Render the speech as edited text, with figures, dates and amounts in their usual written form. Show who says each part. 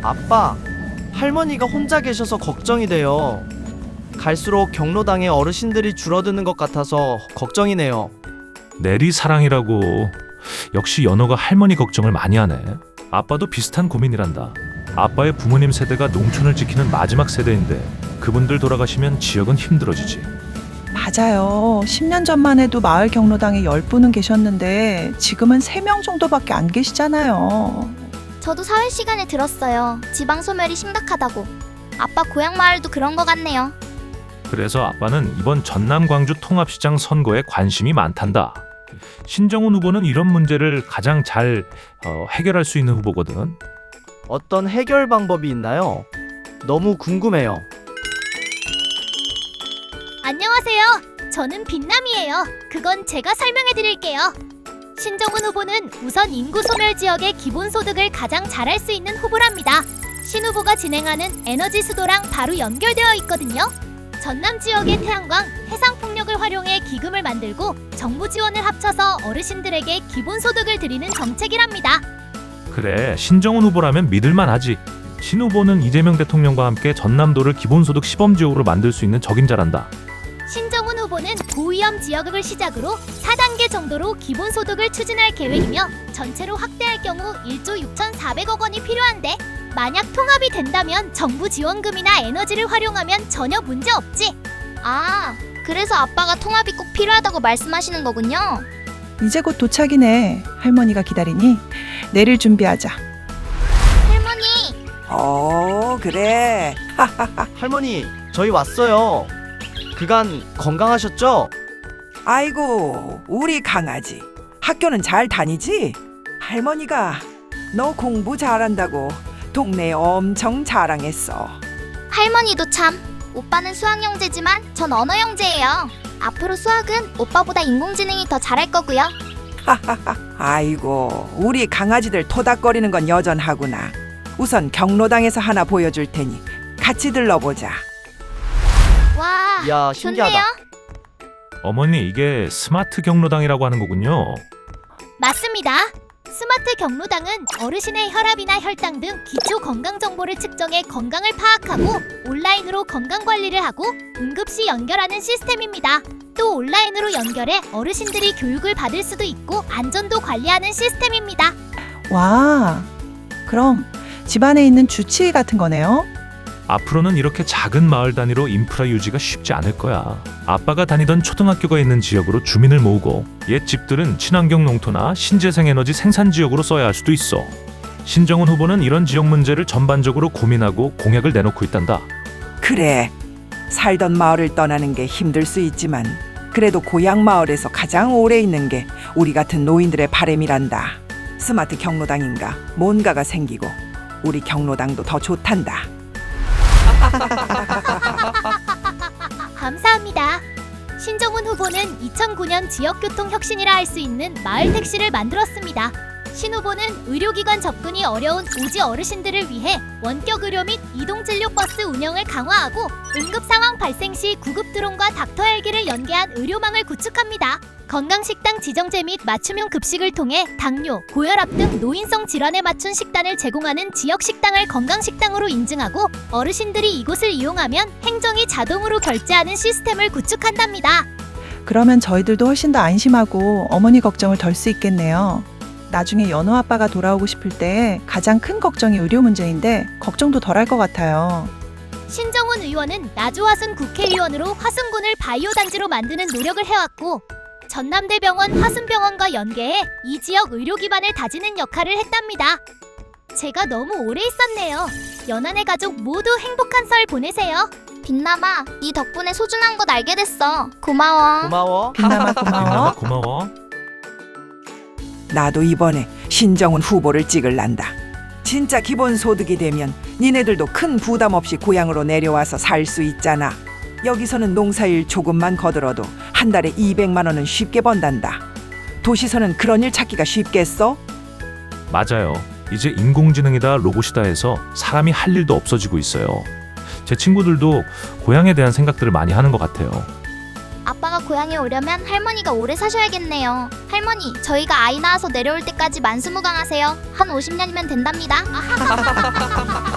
Speaker 1: 아빠, 할머니가 혼자 계셔서 걱정이 돼요. 갈수록 경로당에 어르신들이 줄어드는 것 같아서 걱정이네요.
Speaker 2: 내리 사랑이라고. 역시 연호가 할머니 걱정을 많이 하네. 아빠도 비슷한 고민이란다. 아빠의 부모님 세대가 농촌을 지키는 마지막 세대인데 그분들 돌아가시면 지역은 힘들어지지.
Speaker 3: 맞아요. 10년 전만 해도 마을 경로당에 10분은 계셨는데 지금은 3명 정도밖에 안 계시잖아요.
Speaker 4: 저도 사회 시간에 들었어요. 지방 소멸이 심각하다고. 아빠 고향 마을도 그런 것 같네요.
Speaker 2: 그래서 아빠는 이번 전남 광주 통합시장 선거에 관심이 많단다. 신정훈 후보는 이런 문제를 가장 잘 해결할 수 있는 후보거든.
Speaker 1: 어떤 해결 방법이 있나요? 너무 궁금해요.
Speaker 4: 안녕하세요. 저는 빛남이에요. 그건 제가 설명해 드릴게요. 신정훈 후보는 우선 인구 소멸 지역의 기본소득을 가장 잘할 수 있는 후보랍니다. 신 후보가 진행하는 에너지 수도랑 바로 연결되어 있거든요. 전남 지역의 태양광, 해상풍력을 활용해 기금을 만들고 정부 지원을 합쳐서 어르신들에게 기본소득을 드리는 정책이랍니다.
Speaker 2: 그래, 신정훈 후보라면 믿을만하지. 신 후보는 이재명 대통령과 함께 전남도를 기본소득 시범지역으로 만들 수 있는 적임자란다.
Speaker 4: 신정훈 후보는 고위험 지역을 시작으로 4단계 정도로 기본소득을 추진할 계획이며 전체로 확대할 경우 1조 6,400억 원이 필요한데 만약 통합이 된다면 정부 지원금이나 에너지를 활용하면 전혀 문제 없지. 아, 그래서 아빠가 통합이 꼭 필요하다고 말씀하시는 거군요.
Speaker 3: 이제 곧 도착이네. 할머니가 기다리니 내릴 준비하자.
Speaker 4: 할머니,
Speaker 5: 그래.
Speaker 1: 할머니, 저희 왔어요. 그간 건강하셨죠?
Speaker 5: 아이고, 우리 강아지. 학교는 잘 다니지? 할머니가 너 공부 잘한다고 동네에 엄청 자랑했어.
Speaker 4: 할머니도 참. 오빠는 수학 형제지만 전 언어 형제예요. 앞으로 수학은 오빠보다 인공지능이 더 잘할 거고요.
Speaker 5: 아이고, 우리 강아지들 토닥거리는 건 여전하구나. 우선 경로당에서 하나 보여줄 테니 같이 들러보자.
Speaker 4: 와,
Speaker 1: 이야, 신기하다.
Speaker 4: 좋네요.
Speaker 2: 어머니, 이게 스마트 경로당이라고 하는 거군요.
Speaker 4: 맞습니다. 스마트 경로당은 어르신의 혈압이나 혈당 등 기초 건강 정보를 측정해 건강을 파악하고 온라인으로 건강 관리를 하고 응급시 연결하는 시스템입니다. 또 온라인으로 연결해 어르신들이 교육을 받을 수도 있고 안전도 관리하는 시스템입니다.
Speaker 3: 와, 그럼 집안에 있는 주치의 같은 거네요.
Speaker 2: 앞으로는 이렇게 작은 마을 단위로 인프라 유지가 쉽지 않을 거야. 아빠가 다니던 초등학교가 있는 지역으로 주민을 모으고 옛 집들은 친환경 농토나 신재생 에너지 생산 지역으로 써야 할 수도 있어. 신정훈 후보는 이런 지역 문제를 전반적으로 고민하고 공약을 내놓고 있단다.
Speaker 5: 그래, 살던 마을을 떠나는 게 힘들 수 있지만 그래도 고향 마을에서 가장 오래 있는 게 우리 같은 노인들의 바람이란다. 스마트 경로당인가 뭔가가 생기고 우리 경로당도 더 좋단다.
Speaker 4: 감사합니다. 신정훈 후보는 2009년 지역교통 혁신이라 할 수 있는 마을 택시를 만들었습니다. 신 후보는 의료기관 접근이 어려운 오지 어르신들을 위해 원격 의료 및 이동진료 버스 운영을 강화하고 응급 상황 발생 시 구급 드론과 닥터 헬기를 연계한 의료망을 구축합니다. 건강식당 지정제 및 맞춤형 급식을 통해 당뇨, 고혈압 등 노인성 질환에 맞춘 식단을 제공하는 지역 식당을 건강식당으로 인증하고 어르신들이 이곳을 이용하면 행정이 자동으로 결제하는 시스템을 구축한답니다.
Speaker 3: 그러면 저희들도 훨씬 더 안심하고 어머니 걱정을 덜 수 있겠네요. 나중에 연호 아빠가 돌아오고 싶을 때 가장 큰 걱정이 의료 문제인데 걱정도 덜 할 것 같아요.
Speaker 4: 신정훈 의원은 나주화순 국회의원으로 화순군을 바이오 단지로 만드는 노력을 해왔고 전남대병원 화순병원과 연계해 이 지역 의료 기반을 다지는 역할을 했답니다. 제가 너무 오래 있었네요. 연한의 가족 모두 행복한 설 보내세요. 빛남아, 네 덕분에 소중한 것 알게 됐어. 고마워.
Speaker 1: 고마워.
Speaker 3: 빛남아 고마워.
Speaker 2: 고마워.
Speaker 5: 나도 이번에 신정훈 후보를 찍을란다. 진짜 기본소득이 되면 니네들도 큰 부담 없이 고향으로 내려와서 살 수 있잖아. 여기서는 농사일 조금만 거들어도 한 달에 200만 원은 쉽게 번단다. 도시서는 그런 일 찾기가 쉽겠어?
Speaker 2: 맞아요. 이제 인공지능이다 로봇이다 해서 사람이 할 일도 없어지고 있어요. 제 친구들도 고향에 대한 생각들을 많이 하는 것 같아요.
Speaker 4: 아빠가 고향에 오려면 할머니가 오래 사셔야겠네요. 할머니, 저희가 아이 낳아서 내려올 때까지 만수무강하세요. 한 50년이면 된답니다.